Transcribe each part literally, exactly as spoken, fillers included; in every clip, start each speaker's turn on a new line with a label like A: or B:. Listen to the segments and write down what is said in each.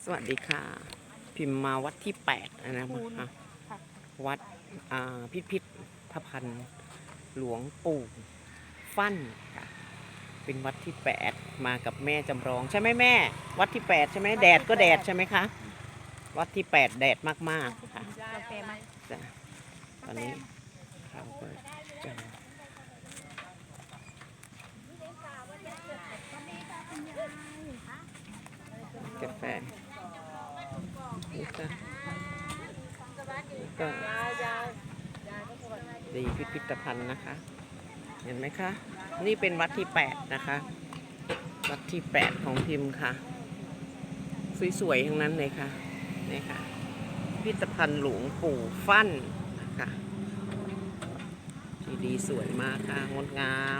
A: สวัสดีค่ะ พิมพ์มาวัดที่แปดนะคะวัดพิพิธภัณฑ์หลวงปู่ฟั่นค่ะเป็นวัดที่แปดมากับแม่จำลองใช่ไหมแม่วัดที่แปดใช่ไหมแดดก็แดดใช่ไหมคะวัดที่แปดแดดมากๆค่ะจ้ะตอนนี้เราก็จะกาแฟนี่ค่ะก็ดีพิพิธภัณฑ์นะคะ เห็นไหมคะนี่เป็นวัดที่แปดนะคะวัดที่แปดของพิมพ์ค่ะสวยๆทั้งนั้นเลยค่ะนี่ค่ะพิพิธภัณฑ์หลวงปู่ฟั่นนะคะที่ดีสวยมากค่ะงดงาม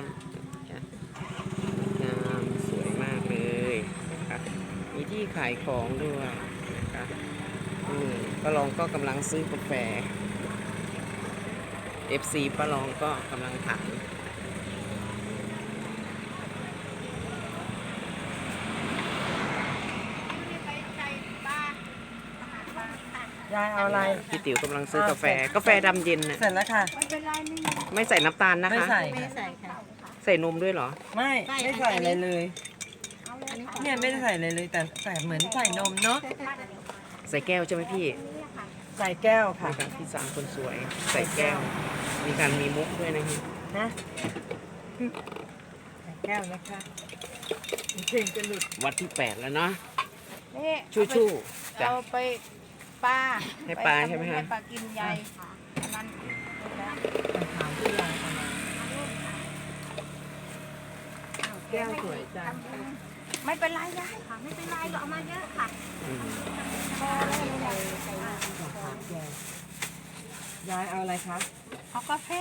A: งามสวยมากเลยนะคะมีที่ขายของด้วยนะคะป้าลองก็กำลังซื้อกาแฟ เอฟ ซี ป้าลองก็กำลังถาม
B: ยายเอาอะไร
A: พี่ติ๋วกำลังซื้อกาแฟกาแฟดำเย็นน่ะ
B: เสร็จแล้วค่ะ
A: ไม่ใส่น้ำตาลนะคะ
B: ไม่ใส่
C: ไม่ใส่ค่ะ
A: ใส่นมด้วยเหรอ
B: ไม่ไม่ใส่อะไรเลยเนี่ยไม่ได้ใส่อะไรเลยแต่ใส่เหมือนใส่นมเนาะ
A: ใส่แก้วใช่ไหมพี่
B: ใส่แก้วค่ะ
A: พี่สามคนสวยใส่แก้วมีการมีมุกด้วยนะ
B: นะใส่แก้วนะคะเพลงจะหลุด
A: วัดที่แปดแล้วเนาะ
C: นี่
A: ชู่ชู่
C: เราไปปลา
A: ให้ปลาใช่ไหมคะ
C: ให้ปลากินใหญ่อันนั้น
B: ถามที่ยายเอามาแก้วสวยจัง
C: ไม่เป็นไรยายค่ะไม่เป็นไรก็เอามาเยอะค่ะพอแล้วเลย
B: ยายเอาอะไรคะ
C: เอากาแฟ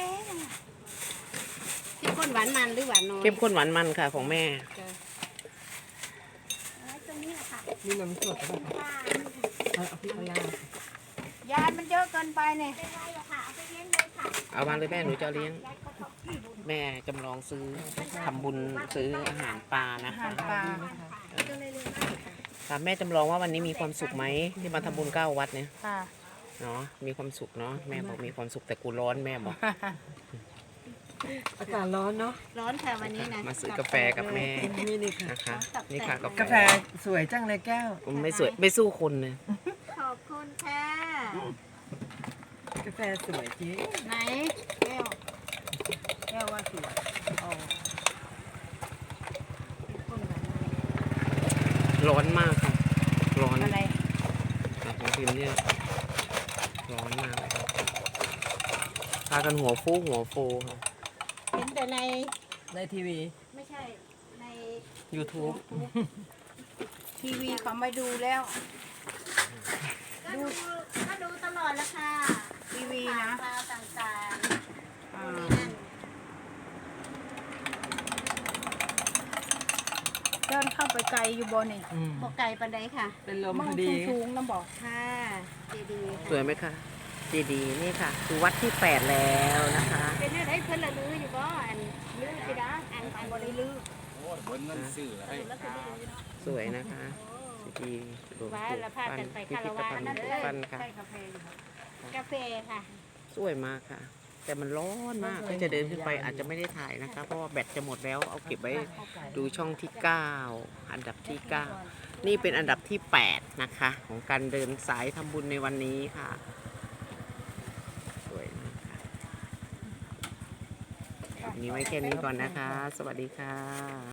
C: เข้มข้นหวานมันหรือหวานน้อย
A: เข้มข้นหวานมันค่ะของแม่
C: ตรงนี้ค่ะ
B: มีนมสดป่ะคะเอาพี่เอาย
C: ายามันเยอะเกินไปเนี่ย
A: เอามาเลยแม่หนูจะเลี้ยงแม่จำลองซื้อทำบุญซื้ออาหารปลานะคะถามแม่จำลองว่าวันนี้มีความสุขไหมที่มาทำบุญเก้าวัดเนี่ยเนาะมีความสุขเนาะแม่บอกมีความสุขแต่กูร้อนแม่บอก
B: อากาศร้อนเนาะ
C: ร้อนค่ะวันนี้นะ
A: มาซื้อกาแฟกับแม่
B: นี่นี่ค่ะ
A: นะคะนี่ค่ะ
B: กาแฟสวยจังเลยแก้ว
A: ไม่สวยไม่สู้คนเลย
C: ขอบคุณค่ะ
B: กาแฟสวยจริง
C: ไหนแก้วแก้วว่าสวย
A: ร้อนมากค่ะร้อน
C: อะไร
A: ของพิมพ์เนี่ยร้อนมากเลยพากันหัวฟูหัวฟูค่ะ
C: เห็นแต่ใน
B: ในทีวี
C: ไม่ใช่ใน
A: YouTube
C: ทีวีเขาไม่ดูแล้วดูก็ดูตลอดแล้วค่ะทีวีนะข่าวต่างๆเดินเข้าไปไกลอยู่บนนี่พอไกลปันไดค่ะ
B: เป็นลมพอดี
C: สูงน้ำบอกค่ะเจดีย์
A: สวยไหมคะเจดีย์นี่ค่ะคือวัดที่แปดแล้วนะคะ
C: เป็นอะไรเพิ่นละลืออยู่ก็อันลือสิดาอันอันบริลือ
A: สวยนะคะดีหลวงปู่ฟั่นพิพิธภัณฑ์หลวงปู่ฟั่นค่ะ
C: กาแฟค่ะ
A: สวยมากค่ะแต่มันร้อนมากก็จะเดินขึ้นไปอาจจะไม่ได้ถ่ายนะคะเพราะว่าแบตจะหมดแล้วเอาเก็บไว้ดูช่องที่เก้าอันดับที่เก้านี่เป็นอันดับที่แปดนะคะของการเดินสายทำบุญในวันนี้ค่ะสวยมากค่ะนี้ไว้แค่นี้ก่อนนะคะสวัสดีค่ะ